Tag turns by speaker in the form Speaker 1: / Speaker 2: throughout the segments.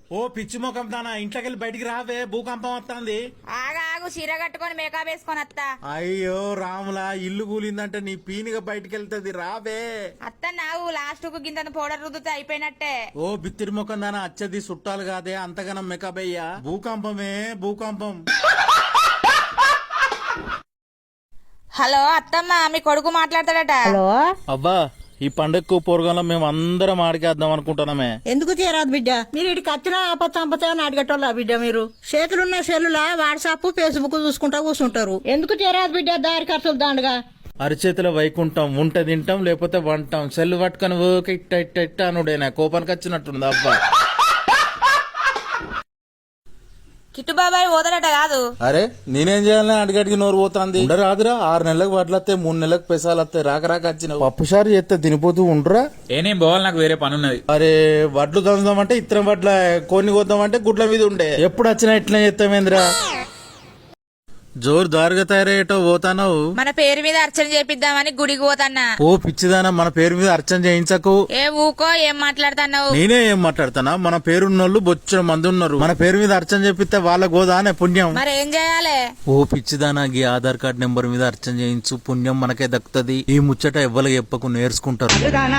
Speaker 1: ఓ పిచ్చి ముఖం దానా ఇంట్లోకెళ్ళి బయటికి రావే, భూకంపం వస్తుంది.
Speaker 2: ఆగు చీర కట్టుకొని మేకప్ వేసుకొని అత్తా.
Speaker 1: అయ్యో రాములా, ఇల్లు కూలిందంటే నీ పీనిగా బయటికి వెళ్తుంది, రావే.
Speaker 2: అత్త నావు లాస్ట్ కు గింత పౌడర్ రుద్దుతే అయిపోయినట్టే.
Speaker 1: ఓ బిత్తిరి ముఖం దానా అచ్చది చుట్టాలు కాదే, అంతగానం మేకప్ అయ్యా. భూకంపమే భూకంపం.
Speaker 2: హలో అత్తమ్మ, మీ కొడుకు మాట్లాడతాడట.
Speaker 3: హలో,
Speaker 1: అబ్బా ఈ పండగకు పోరగాలో మేము అందరం ఆడికేద్దాం అనుకుంటున్నామే.
Speaker 3: ఎందుకు తీరాదు బిడ్డ? మీరు ఇటుకి వచ్చినా ఆపత్తంపతే అడిగేటోళ్ళ బిడ్డ? మీరు చేతులున్న సెల్లులా వాట్సాప్ ఫేస్బుక్ చూసుకుంటా కూర్చుంటారు. ఎందుకు తీరాదు బిడ్డ? దారి ఖర్చులు దాండుగా
Speaker 1: అరిచేతిలో వైకుంటాం, ఉంట తింటాం లేకపోతే వంటాం. సెల్లు పట్టుకొని ఓకే ఇట్ట ఇట్ట ఇట్ట అనుడేనా, కోపానికి వచ్చినట్టుంది అబ్బా.
Speaker 2: కిట్టు బాబాయ్ పోతాడట కాదు?
Speaker 1: అరే నేనేం చేయాలని అడిగడికి నోరు పోతాంది. రాదురా, 6 నెలలకు వడ్లత్తే, 3 నెలలకు పెసాలు వస్తాయి. రాక రాక వచ్చిన పప్పుసారి చేస్తే తినిపోతూ ఉండరా.
Speaker 4: ఏనేం పోవాలి, నాకు వేరే పని ఉన్నది.
Speaker 1: అరే వడ్లు దందామంటే ఇత్తనం వడ్ల కొన్ని కొద్దామంటే గుడ్ల మీద ఉండే. ఎప్పుడు వచ్చినా ఇట్లా చేస్తామేంద్రా. జోరు దారుగా తయారయ్యేటో పోతానవు.
Speaker 2: మన పేరు మీద అర్చన చేపిద్దామని గుడికి పోతాన్నా.
Speaker 1: ఓ పిచ్చిదానా, మన పేరు మీద అర్చన చేయించకు.
Speaker 2: ఏ ఊకో, ఏం మాట్లాడుతున్నావు?
Speaker 1: నేనే ఏం మాట్లాడతానా? మన పేరున్నోళ్ళు బొచ్చిన మంది ఉన్నారు. మన పేరు మీద అర్చన చేపిస్తే వాళ్ళ గోదానే పుణ్యం.
Speaker 2: మరి ఏం చేయాలి?
Speaker 1: ఓ పిచ్చిదానా, గీ ఆధార్ కార్డ్ నెంబర్ మీద అర్చన చేయించు, పుణ్యం మనకే దక్కుతుంది. ఈ ముచ్చట ఎవ్వరికి చెప్పకు, నేర్చుకుంటారు.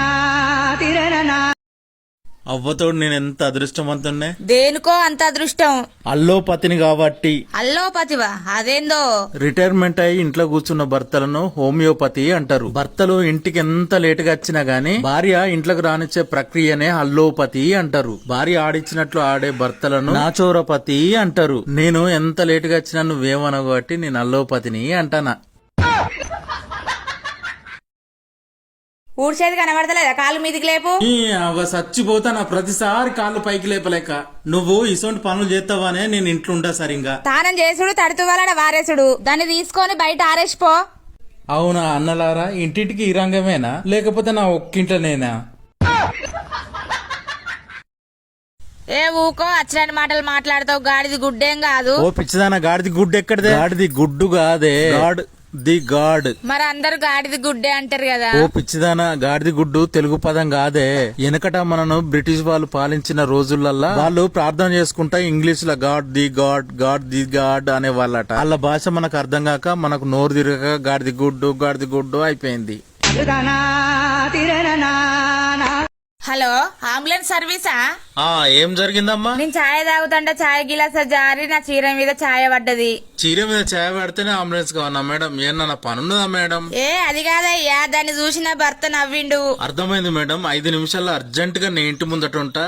Speaker 1: అవ్వతోడు నేను ఎంత అదృష్టవంతున్నే.
Speaker 2: దేనికో అంత అదృష్టం?
Speaker 1: అల్లోపతిని కాబట్టి.
Speaker 2: అల్లోపతివా? అదేందో.
Speaker 1: రిటైర్మెంట్ అయి ఇంట్లో కూర్చున్న భర్తలను హోమియోపతి అంటారు. భర్తలు ఇంటికి ఎంత లేటుగా వచ్చినా గానీ భార్య ఇంట్లోకి రానిచ్చే ప్రక్రియనే అల్లోపతి అంటారు. భార్య ఆడిచ్చినట్లు ఆడే భర్తలను నాచోరపతి అంటారు. నేను ఎంత లేటుగా వచ్చినా నువ్వేమనవు కాబట్టి నేను అల్లోపతిని అంటానా.
Speaker 2: ఊడ్చేది కనబడతలేదా? కాలు మీదికి లేపు.
Speaker 1: చచ్చిపోతానా ప్రతిసారి కాళ్ళు పైకి లేపలేక. నువ్వు ఇసొంటి పనులు చేస్తావానే నేను ఇంట్లో ఉంటా సరిగా.
Speaker 2: తానం చేసుడు, తడుతువాలడ వారేసుడు. దాన్ని తీసుకొని బయట ఆరేసిపో.
Speaker 1: అవునా అన్నలారా, ఇంటింటికి ఈ రంగమేనా లేకపోతే నా ఒక్కింట్లోనేనా?
Speaker 2: ఏ ఊకో, అచ్చని మాటలు మాట్లాడతావు. గాడిది గుడ్డేం కాదు.
Speaker 1: ఓ పిచ్చిదానా, గాడిది గుడ్డు ఎక్కడదే? గాడిది గుడ్డు కాదే, గాడ్ ది గాడ్.
Speaker 2: మరి అందరు గాడిది గుడ్డే అంటారు కదా.
Speaker 1: ఓ పిచ్చిదానా, గాడిది గుడ్డు తెలుగు పదం కాదే. వెనకట మనను బ్రిటిష్ వాళ్ళు పాలించిన రోజులల్లా వాళ్ళు ప్రార్థన చేసుకుంటా ఇంగ్లీష్ లో God the God, God the God అనే వాళ్ళట. వాళ్ళ భాష మనకు అర్థం కాక మనకు నోరు తిరగక గాడిది గుడ్డు అయిపోయింది.
Speaker 2: హలో, అంబులెన్స్ సర్వీసా?
Speaker 1: ఏం జరిగిందమ్మా?
Speaker 2: నేను ఛాయ్ తాగుతుంటే ఛాయ్ గిలాస జారి నా చీర మీద ఛాయ పడ్డది.
Speaker 1: చీర మీద ఛాయ పడితేనే అంబులెన్స్ కావాలా మేడం? ఏమన్నా పనున్నదా మేడం?
Speaker 2: ఏ అది కాదయ్యా, దాన్ని చూసి నా భర్త నవ్విండు.
Speaker 1: అర్థమైంది మేడం, 5 నిమిషాల్లో అర్జెంట్ గా నీ ఇంటి ముందట ఉంటా.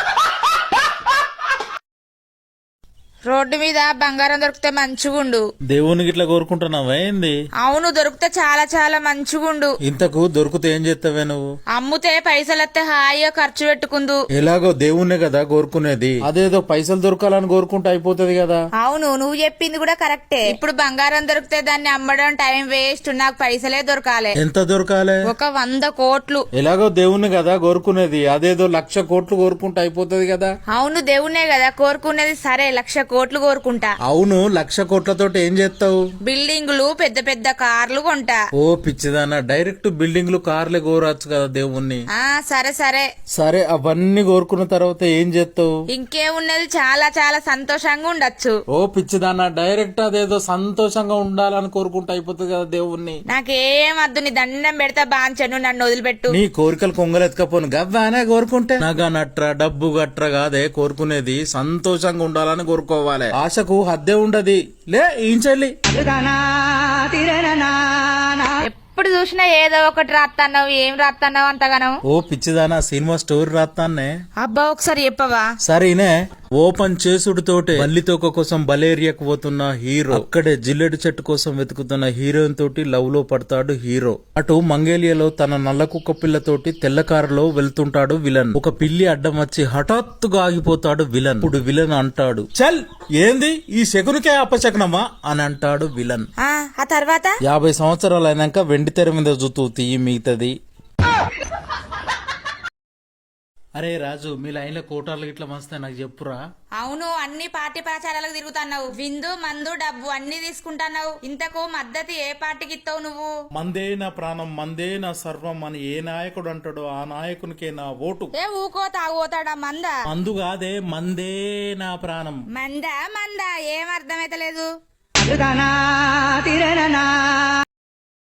Speaker 2: రోడ్డు మీద బంగారం దొరికితే మంచిగుండు.
Speaker 1: దేవునికి ఇట్లా కోరుకుంటున్నావా ఏంది?
Speaker 2: అవును, దొరికితే చాలా చాలా మంచిగుండు.
Speaker 1: ఇంతకు దొరికితే ఏం చేస్తావే నువ్వు?
Speaker 2: అమ్ముతే పైసలెత్తే హాయిగా ఖర్చు పెట్టుకుందు.
Speaker 1: ఎలాగో దేవుణ్ణే కదా కోరుకునేది, అదేదో పైసలు దొరకాలని కోరుకుంటే అయిపోతుంది కదా.
Speaker 2: అవును, నువ్వు చెప్పింది కూడా కరెక్టే. ఇప్పుడు బంగారం దొరికితే దాన్ని అమ్మడం టైం వేస్ట్. నాకు పైసలే దొరకాలి.
Speaker 1: ఎంత దొరకాలి?
Speaker 2: ఒక 100 కోట్లు.
Speaker 1: ఎలాగో దేవుణ్ణి కదా కోరుకునేది, అదేదో 1,00,000 కోట్లు కోరుకుంటే అయిపోతుంది కదా.
Speaker 2: అవును, దేవుణ్ణే కదా కోరుకునేది. సరే, 1,00,000 కోట్లు కోరుకుంటా.
Speaker 1: అవును, 1,00,000 కోట్లతో ఏం చేస్తావు?
Speaker 2: బిల్డింగులు, పెద్ద పెద్ద కార్లు కొంటా.
Speaker 1: ఓ పిచ్చిదానా, డైరెక్ట్ బిల్డింగ్లు కార్లే కోరచ్చు కదా దేవుణ్ణి.
Speaker 2: సరే సరే
Speaker 1: సరే, అవన్నీ కోరుకున్న తర్వాత ఏం చేస్తావు?
Speaker 2: ఇంకేమున్నది, చాలా చాలా సంతోషంగా ఉండొచ్చు.
Speaker 1: ఓ పిచ్చిదానా, డైరెక్ట్ అదేదో సంతోషంగా ఉండాలని కోరుకుంటే అయిపోతుంది కదా దేవుణ్ణి.
Speaker 2: నాకేం వద్దు, నీ దండం పెడతా బాంచను, నన్ను వదిలిపెట్టు.
Speaker 1: నీ కోరికలు కొంగలెత్తుకపోను గవ్వానే కోరుకుంటే. నగ నట్ర డబ్బు గట్ర కాదే కోరుకునేది, సంతోషంగా ఉండాలని కోరుకోవాలి. ఆశకు హద్దే ఉండది. లే ఏం చెల్లి,
Speaker 2: ఎప్పుడు చూసినా ఏదో ఒకటి రాత్తన్నావు. ఏం రాత్తన్నావు అంతగానం?
Speaker 1: ఓ పిచ్చిదానా, సినిమా స్టోరీ రాత్తాన్నే.
Speaker 2: అబ్బా, ఒకసారి చెప్పవా?
Speaker 1: సరేనే. ఓపెన్ చేసుడుతోటే బల్లితోక కోసం బలేరియాకు పోతున్న హీరో అక్కడే జిల్లెడు చెట్టు కోసం వెతుకుతున్న హీరోయిన్ తోటి లవ్ లో పడతాడు హీరో. అటు మంగేలియాలో తన నల్ల కుక్క పిల్లతోటి తెల్ల కారులో వెళ్తుంటాడు విలన్. ఒక పిల్లి అడ్డం వచ్చి హఠాత్తుగా ఆగిపోతాడు విలన్. ఇప్పుడు విలన్ అంటాడు, చల్ ఏంది ఈ శకునికే అపశకనమా అని అంటాడు విలన్.
Speaker 2: ఆ తర్వాత
Speaker 1: 50 సంవత్సరాలు అయినాక వెండి తెర మీద జుతూ తీయి మిగతది. అరే రాజు, మీ లైన్లో కోటార్లు ఇట్లా మస్తే నాకు చెప్పురా.
Speaker 2: అవును, అన్ని పార్టీ ప్రచారాలకు తిరుగుతున్నావు. విందు మందు డబ్బు అన్ని తీసుకుంటున్నావు. ఇంతకు మద్దతు ఏ పార్టీకి ఇస్తావు నువ్వు?
Speaker 1: మందే నా ప్రాణం, మందే నా సర్వం అని ఏ నాయకుడు అంటాడో ఆ నాయకునికే నా ఓటు.
Speaker 2: ఏ ఊకో తాగుతాడా మందా?
Speaker 1: మందు కాదే, మందే నా ప్రాణం.
Speaker 2: మందా ఏం అర్థమైతలేదు.